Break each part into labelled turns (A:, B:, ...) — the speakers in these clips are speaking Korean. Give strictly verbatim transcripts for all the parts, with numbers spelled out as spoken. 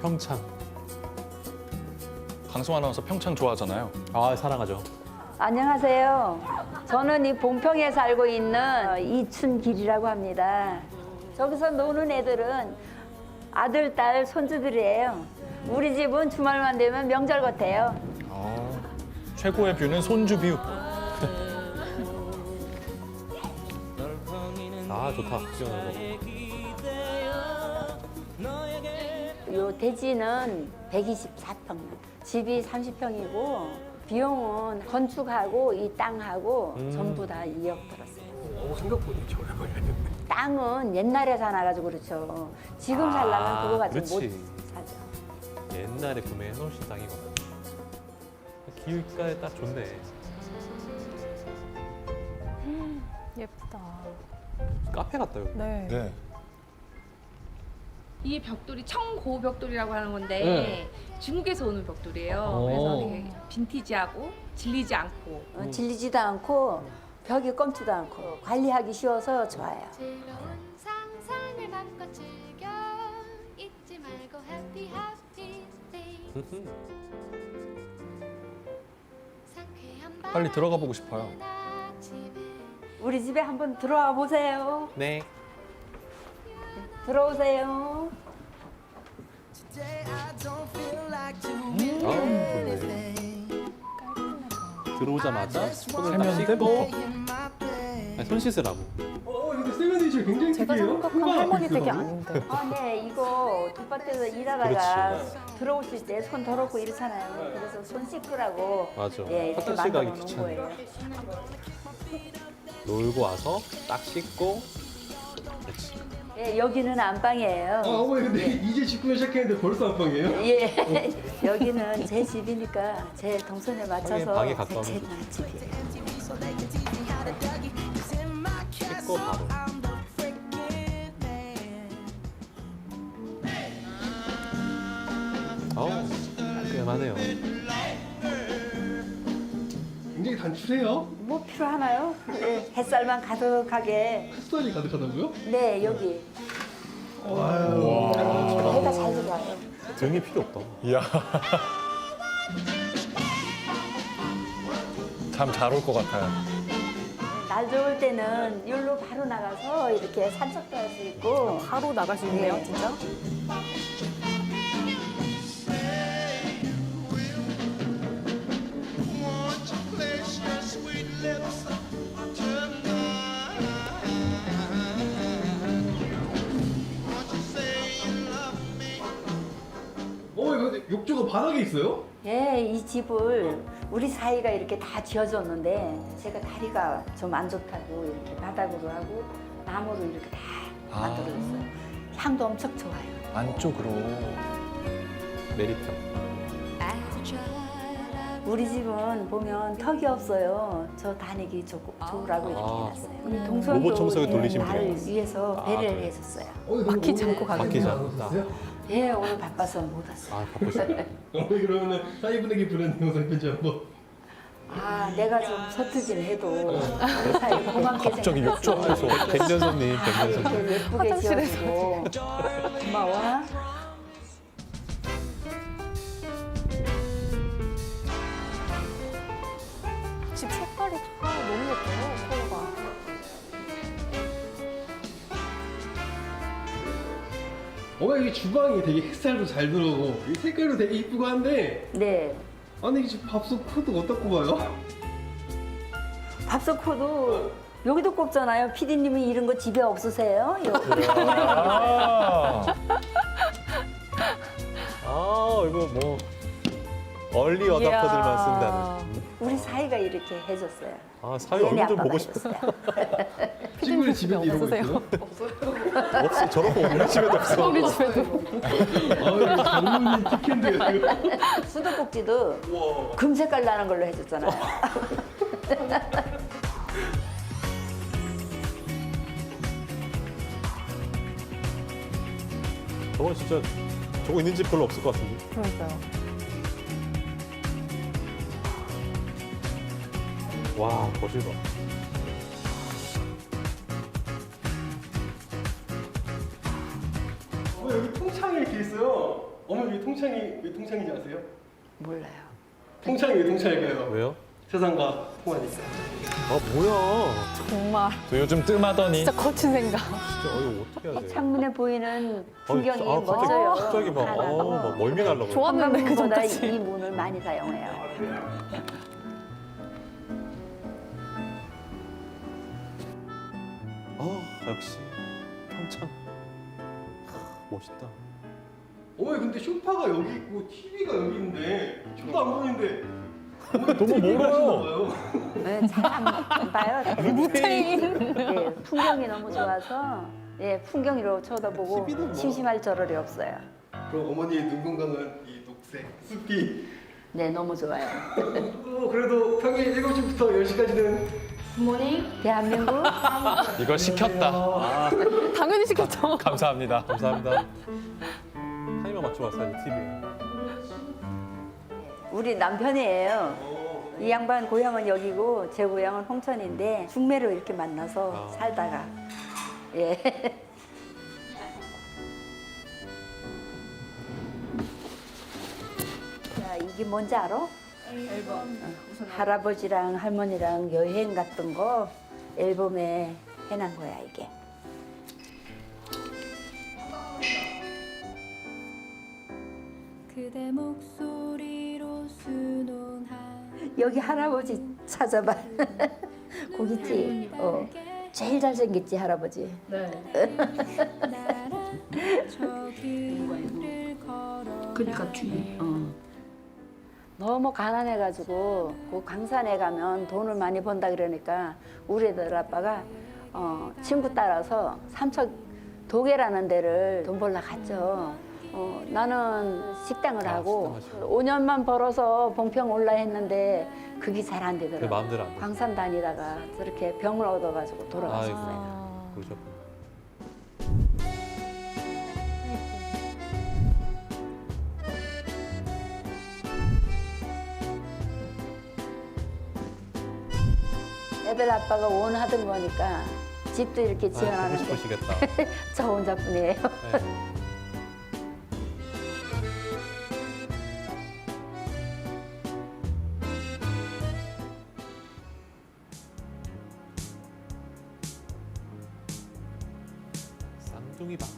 A: 평창.
B: 강승 아나운서 평창 좋아하잖아요.
A: 아, 사랑하죠.
C: 안녕하세요. 저는 이 봉평에 살고 있는 이춘길이라고 합니다. 저기서 노는 애들은 아들, 딸, 손주들이에요. 우리 집은 주말만 되면 명절 같아요.
B: 아, 최고의 뷰는 손주 뷰.
A: 아, 좋다. 구경하는 거.
C: 요 대지는 백이십사 평, 집이 삼십 평이고 비용은 건축하고 이 땅하고
A: 음.
C: 전부 다 이억 들었어요.
D: 어, 생각보다 저렴 걸리는데.
C: 땅은 옛날에 사놔가지고 그렇죠. 지금 살려면
A: 아,
C: 그거 가지고 못
A: 그렇지.
C: 사죠.
A: 옛날에 구매해 놓으신 땅이구나. 기울가에 딱 좋네.
E: 예쁘다.
A: 카페 같다, 여기.
E: 네.
B: 네.
F: 이 벽돌이 청고벽돌이라고 하는 건데
A: 네.
F: 중국에서 오는 벽돌이에요.
A: 오.
F: 그래서 되게 빈티지하고 질리지 않고
C: 어, 질리지도 않고 벽이 검지도 않고 관리하기 쉬워서 좋아요.
G: 즐거운 상상을 맘껏 즐겨 잊지 말고 happy happy day 상쾌한
B: 빨리 들어가 보고 싶어요.
G: 밤 아침에
C: 우리 집에 한번 들어와 보세요.
A: 네.
C: 들어오세요.
A: 아, 좋네. 들어오자마자 손을 딱
B: 세면
A: 씻고 아니, 손 씻으라고.
D: 어, 근데 세면대실 굉장히
E: 제가
D: 특이해요.
E: 생각한
D: 흠방
E: 할머니
D: 앞에
E: 되게
D: 있어가지고.
E: 아닌데.
C: 아, 네, 이거 텃밭에서 일하다가 들어오실 때 손 더럽고 이렇잖아요. 그래서 손 씻으라고
A: 맞아.
C: 예, 이렇게
A: 화장실 가기
C: 만들어 놓은
A: 귀찮아.
C: 거예요.
A: 놀고 와서 딱 씻고. 그렇지.
C: 예, 여기는 안방이에요.
D: 아, 어머니 근데 이제 집구경 시작했는데 벌써 안방이에요?
C: 예, 여기는 제 집이니까 제 동선에 맞춰서
A: 방에 가까우면
C: 제
A: 좋지.
C: 집이에요.
A: 씻고 바로. 어우, 깔끔하네요.
D: 굉장히 단출해요.
C: 뭐 필요하나요? 예, 햇살만 가득하게.
D: 햇살이 가득하다고요?
C: 네, 여기
D: 아유.
C: 해가 잘 들어와요.
A: 등이 필요 없다.
B: 이야. 참 잘 올 것 같아요.
C: 날 좋을 때는 여기로 바로 나가서 이렇게 산책도 할 수 있고.
E: 바로 나갈 수 있네요,
C: 네.
E: 진짜.
D: 어머니 근데 욕조가 바닥에 있어요?
C: 예, 이 집을 우리 사이가 이렇게 다 지어줬는데 제가 다리가 좀 안 좋다고 이렇게 바닥으로 하고 나무로 이렇게 다
B: 아.
C: 만들어줬어요. 향도 엄청 좋아요.
B: 안쪽으로.
A: 메리트.
C: 우리 집은 보면 턱이 없어요. 저 다니기 좋, 좋으라고 이렇게
A: 아,
C: 해놨어요. 우리 동선도
A: 로봇 청소기 돌리시면
C: 날
A: 돼요.
C: 위해서
A: 아,
C: 배려를
A: 그래요?
C: 해줬어요.
D: 어머니
E: 바퀴 잡고 가는
A: 바퀴
E: 거예요.
A: 잡고.
C: 예, 오늘 바빠서 못 왔어요.
A: 아, 바쁘시네.
D: 어머니 그러면은 사이분에게 부른 영상 편지 한번.
C: 아, 내가 좀 서투긴 해도 우리 사이 고맙게
B: 갑자기
C: 생각했어.
B: 욕조에서.
A: 백년 손님, 백년 손님.
C: 이렇게 예쁘게
E: 화장실에서
C: 지어주고 고마워.
E: 집 색깔이 다 너무 예뻐요, 컬러가.
D: 어머니 이게 주방이 되게 햇살도 잘 들어오고 이 색깔도 되게 이쁘고 한데
C: 네.
D: 아니 이게 지금 밥솥 코드 어떻게 봐요?
C: 밥솥 코드 여기도 꼽잖아요. 피디님이 이런 거 집에 없으세요? 여기.
B: 아.
A: 아, 이거 뭐 얼리 어답터들만 쓴다는.
C: 우리 사이가 이렇게 해줬어요.
A: 아, 사위
C: 얘네
A: 얼굴 좀
C: 아빠가
A: 보고 싶다.
C: 해줬어요.
D: 친구들 집에 이런 거
E: 없으세요?
D: 있어요?
A: 없어, 저런 거 우리 집에도 없어.
E: 우리 집에도.
D: 아유 장모님 특혜인데요 이거.
C: 수도꼭지도 금색깔 나는 걸로 해줬잖아요.
A: 저건 진짜 저거 있는 집 별로 없을 것 같은데.
E: 그러니까요.
A: 와, 거실 봐.
D: 어, 여기 통창이 이렇게 있어요. 어머니 왜 통창이 왜 통창인지 아세요?
C: 몰라요.
D: 통창이 왜 통창일까요?
A: 왜요?
D: 세상과 통하니까.
A: 아 뭐야?
E: 정말
B: 저 요즘 뜸하더니
E: 진짜 거친 생각.
A: 진짜 어이 어떻게 해야 돼?
C: 창문에 보이는 풍경이
A: 아, 갑자기,
C: 멋져요.
A: 갑자기 막,
C: 하나도.
A: 어, 막 멀미 날라고.
E: 좋았는데 그
C: 관광보다
E: 전까지.
C: 이 문을 많이 사용해요.
A: 아 역시 평창. 하, 멋있다.
D: 어머니 근데 소파가 여기 있고 티비가 여기 있는데 저도 안 보이는데 어머니
B: 너무
D: 티비
B: 멀어요.
D: 보시나 봐요.
C: 네, 잘안 봐요.
E: 무태인.
C: 예, 풍경이 너무 좋아서 예, 풍경으로 쳐다보고
A: 티비도 뭐.
C: 심심할 저럴이 없어요.
D: 그럼 어머니의 눈 건강은 이 녹색 숲이.
C: 네, 너무 좋아요.
D: 어, 그래도 평일 일곱 시부터 열 시까지는
C: 대한민국
B: 이거 시켰다.
A: 아
E: 당연히 시켰죠.
B: 감사합니다.
A: 감사합니다. 타이머 맞춰 왔어요 티비에.
C: 우리 남편이에요. 이 양반 고향은 여기고 제 고향은 홍천인데 중매로 이렇게 만나서
A: 아.
C: 살다가 예. 자, 이게 뭔지 알아?
F: 앨범. 우선
C: 할아버지랑 할머니랑 여행 갔던 거 앨범에 해놓은 거야 이게.
G: 그대 목소리로 순온한
C: 여기 할아버지 찾아봐. 거기 있지? 어. 제일 잘생겼지 할아버지.
F: 네.
G: 나랑 저 길을 걸어
F: 그러니까 뒤에.
C: 어. 너무 가난해가지고 그 강산에 가면 돈을 많이 번다 그러니까 우리 애들 아빠가 어, 친구 따라서 삼척 도계라는 데를 돈 벌러 갔죠. 어, 나는 식당을
A: 아,
C: 하고
A: 식당 하시고.
C: 오 년만 벌어서 봉평 올라 했는데 그게 잘 안
A: 내
C: 되더라고요.
A: 마음대로 안 돼.
C: 광산 다니다가 저렇게 병을 얻어가지고 돌아갔어요.
E: 아,
A: 그러셨구나.
C: 애들 아빠가 원하던 거니까 집도 이렇게
A: 아, 보고
C: 지어놨는데
A: 싶으시겠다.
C: 저 혼자뿐이에요.
A: 네. 쌍둥이 방.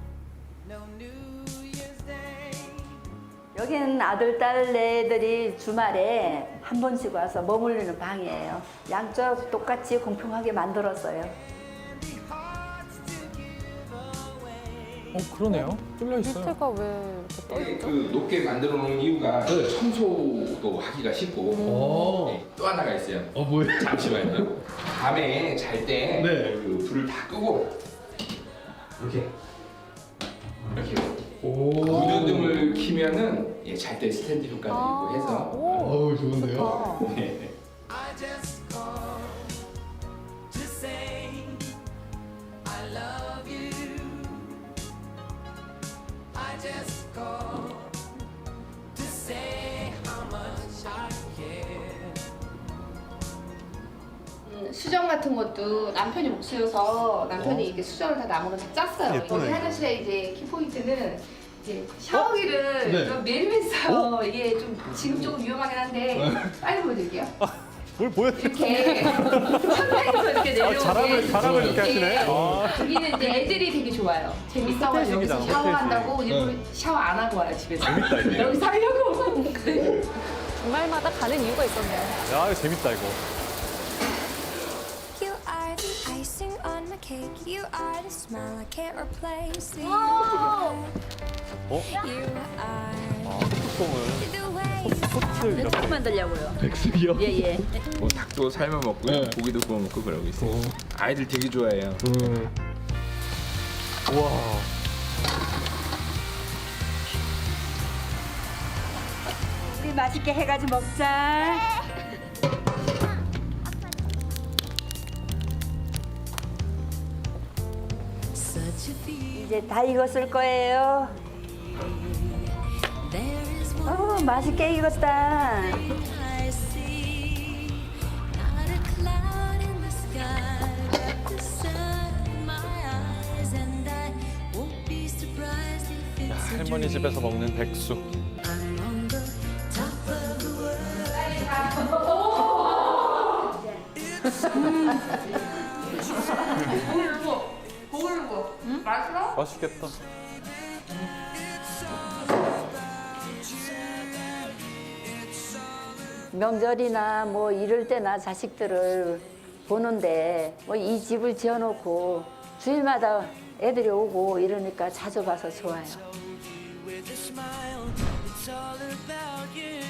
C: 여기는 아들, 딸, 애들이 주말에 한 번씩 와서 머물리는 방이에요. 양쪽 똑같이 공평하게 만들었어요.
B: 어 그러네요. 뚫려 있어요.
E: 밑에가 왜 이렇게 떠 있죠?
H: 그 높게 만들어 놓은 이유가 청소도 하기가 쉽고
D: 오.
H: 네, 또 하나가 있어요.
D: 어 뭐예요?
H: 잠시만요. 밤에 잘 때
D: 네.
H: 그 불을 다 끄고 이렇게 이렇게 구조등을 켜면은 예, 잘 때 스탠드 효과도 있고 해서
E: 오,
D: 어우 좋은데요?
E: 좋다.
H: 네.
F: 음, 수정 같은 것도 남편이 못 쓰여서 남편이 이렇게 수정을 다 나무로 다 짰어요.
A: 예쁘네,
F: 여기
A: 이거.
F: 화장실에 이제 키포인트는 이제 샤워기를
D: 네.
F: 좀 매일매일 이게 좀 지금 조금 위험하긴 한데 빨리 보여드릴게요.
A: 뭘 보여?
F: 이렇게 천장에서 이렇게 내려오게
A: 아, 자랑을- 자랑을 이렇게 하시네. 아.
F: 여기는 이제 애들이 되게 좋아요. 재밌어가지고
A: 호텔식이다,
F: 여기서 샤워한다고
A: 호텔식.
F: 일부러 샤워 안 하고 와요 집에서.
A: 재밌다, 이게.
F: 여기 살려고. 네.
E: 주말마다 가는 이유가 있었네요.
A: 야 이거 재밌다 이거.
G: You are the icing on my cake. You are the smile I can't replace. You
A: 어?
G: You are
A: 아 소통을
G: the way you
A: 소트 이렇게.
C: 어떻게 만들려고요?
D: 백숙이요?
C: 예, 예.
H: 뭐 닭도 삶아 먹고요,
D: 네.
H: 고기도 구워 먹고 그러고 있어요. 아이들 되게 좋아해요.
D: 음.
A: 우와.
C: 우리 맛있게 해가지고 먹자. 이제 다 익었을 거예요. 어, 맛있게 익었다.
G: surprised if it's
B: 할머니 집에서 먹는 백수. 맛있겠다.
C: 명절이나 뭐 이럴 때나 자식들을 보는데 뭐 이 집을 지어놓고 주일마다 애들이 오고 이러니까 자주 봐서 좋아요.
I: with a smile. It's all about you.